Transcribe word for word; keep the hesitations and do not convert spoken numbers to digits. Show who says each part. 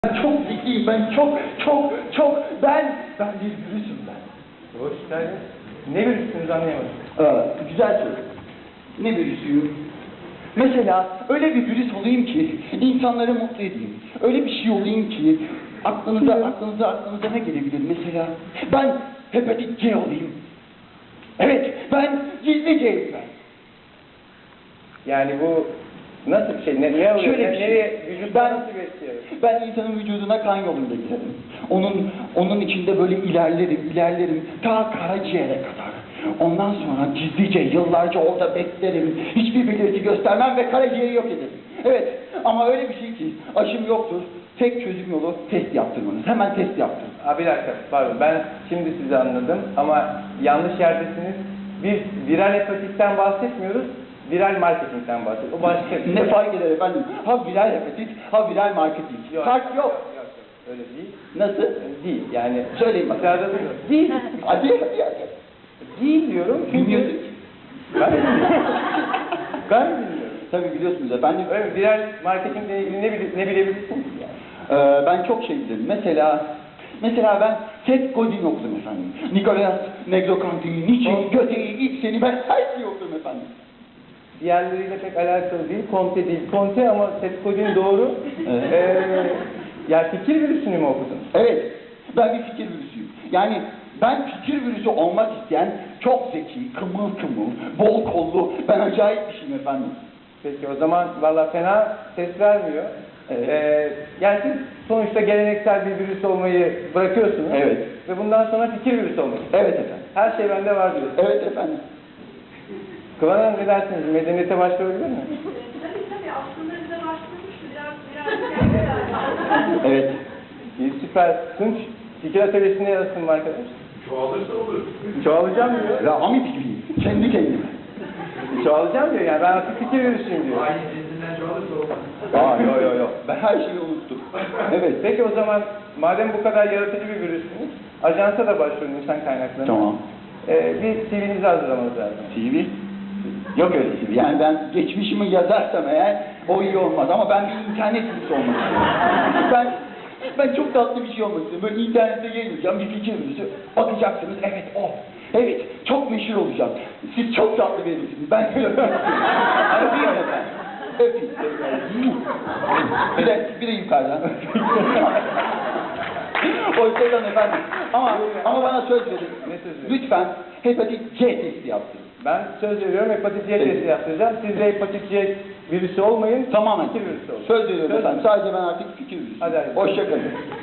Speaker 1: Ben çok zekiyim, ben çok, çok, çok, ben, ben bir virüsüm ben.
Speaker 2: Hoş geldin. Ne virüsünüz anlayamadım.
Speaker 1: Ee, güzel soru. Ne virüsüyüm? Mesela öyle bir virüs olayım ki insanları mutlu edeyim. Öyle bir şey olayım ki aklınıza, aklınıza, aklınıza ne gelebilir mesela? Ben hepatit C olayım. Evet, ben gizli C'yim ben.
Speaker 2: Yani bu nasıl bir şey? Ne, ne oluyor?
Speaker 1: Şöyle
Speaker 2: Ne,
Speaker 1: bir şey.
Speaker 2: nereye, vücutta
Speaker 1: Ben-
Speaker 2: nasıl besliyor?
Speaker 1: Ben insanın vücuduna kan yolunda girerim. Onun, onun içinde böyle ilerlerim, ilerlerim ta karaciğere kadar. Ondan sonra gizlice, yıllarca orada beklerim. Hiçbir belirti göstermem ve karaciğeri yok ederim. Evet, ama öyle bir şey ki aşım yoktur. Tek çözüm yolu test yaptırmanız. Hemen test yaptırın.
Speaker 2: Abi bir dakika, pardon. Ben şimdi sizi anladım ama yanlış yerdesiniz. Biz viral hepatitten bahsetmiyoruz. Viral marketingten bahsediyoruz. O başka bir
Speaker 1: Ne
Speaker 2: şey.
Speaker 1: fark eder efendim? Ha viral hepatit, ha viral marketing.
Speaker 2: Yok,
Speaker 1: Fark yok.
Speaker 2: yok, yok. Öyle değil.
Speaker 1: Nasıl?
Speaker 2: Değil. Yani
Speaker 1: Söyleyin bakalım.
Speaker 2: dışarıda duyuyorum. Değil.
Speaker 1: Hadi hadi hadi.
Speaker 2: Değil diyorum çünkü
Speaker 1: Bilmiyorsun.
Speaker 2: ben bilmiyorum. Ben bilmiyorum.
Speaker 1: Tabii biliyorsunuz efendim.
Speaker 2: Öyle viral marketingle ilgili ne, bile, ne bilebilirsiniz ki yani?
Speaker 1: Ee, ben çok şey bilirim. Mesela, mesela ben Seth Godin okudum efendim. Nicholas Negroponte'yi, Nietzsche'yi, Goethe'yi, Ibsen'i ben her şeyi okudum efendim.
Speaker 2: Diğerleriyle pek alakalı değil, Comte değil. Comte ama Seth Godin doğru.
Speaker 1: Evet.
Speaker 2: Ee, ya fikir virüsünü mü okudun?
Speaker 1: Evet, ben bir fikir virüsüyüm. Yani ben fikir virüsü olmak isteyen çok zeki, kımıl kımıl, bol kollu, ben acayip bir şeyim efendim.
Speaker 2: Peki o zaman valla fena ses vermiyor.
Speaker 1: Evet.
Speaker 2: Ee, yani siz sonuçta geleneksel bir virüs olmayı bırakıyorsunuz.
Speaker 1: Evet.
Speaker 2: Ve bundan sonra fikir virüsü olmak.
Speaker 1: Evet efendim.
Speaker 2: Her şey bende var diyorsunuz.
Speaker 1: Evet efendim.
Speaker 2: Kıvan Hanım ne dersiniz? Medeniyete başvurabilir mi?
Speaker 3: Tabii tabii aslında bize başlamıştı biraz biraz yani.
Speaker 1: Evet.
Speaker 2: İyi, süper. Tunç, fikir atölyesine yazsın mı arkadaş?
Speaker 4: Çoğalırsa olur.
Speaker 2: Çoğalacağım diyor.
Speaker 1: Rami fikriyim, kendi kendime.
Speaker 2: Çoğalacağım diyor yani ben artık fikir virüsüyüm diyor.
Speaker 4: Aynı cinsinden çoğalırsa olmaz.
Speaker 1: Aa yo yo yo, ben her şeyi unuttum.
Speaker 2: Evet, peki o zaman madem bu kadar yaratıcı bir virüsünüz, ajansa da başvurun insan kaynaklarına.
Speaker 1: Tamam.
Speaker 2: Ee, bir C V'nizi hazırlamanız lazım.
Speaker 1: C V? Yok öyle C V. Yani ben geçmişimi yazarsam eğer o iyi olmaz ama ben bir internet virüsü olmak istiyorum. Ben ben çok tatlı bir şey olmak istiyorum. Böyle internette yayınlayacağım bir fikir virüsü. Bakacaksınız evet o. Evet çok meşhur olacağım. Siz çok tatlı birisiniz. Ben sizi öpmek istiyorum. Öpeyim mi ben? Öpeyim. Bir de, bir de yukarıdan. Hoşçakalın efendim. Ama, ama bana söz verin.
Speaker 2: Ne sözü?
Speaker 1: Lütfen hepatit C testi yaptırın.
Speaker 2: Ben söz veriyorum hepatit C
Speaker 1: Evet.
Speaker 2: testi yaptıracağım. Siz de hepatit C virüsü olmayın.
Speaker 1: Tamamen.
Speaker 2: Fikir virüsü olun.
Speaker 1: Söz veriyorum
Speaker 2: Söz-
Speaker 1: efendim. Sadece ben artık fikir virüsü.
Speaker 2: Hadi, hadi.
Speaker 1: Hoşçakalın.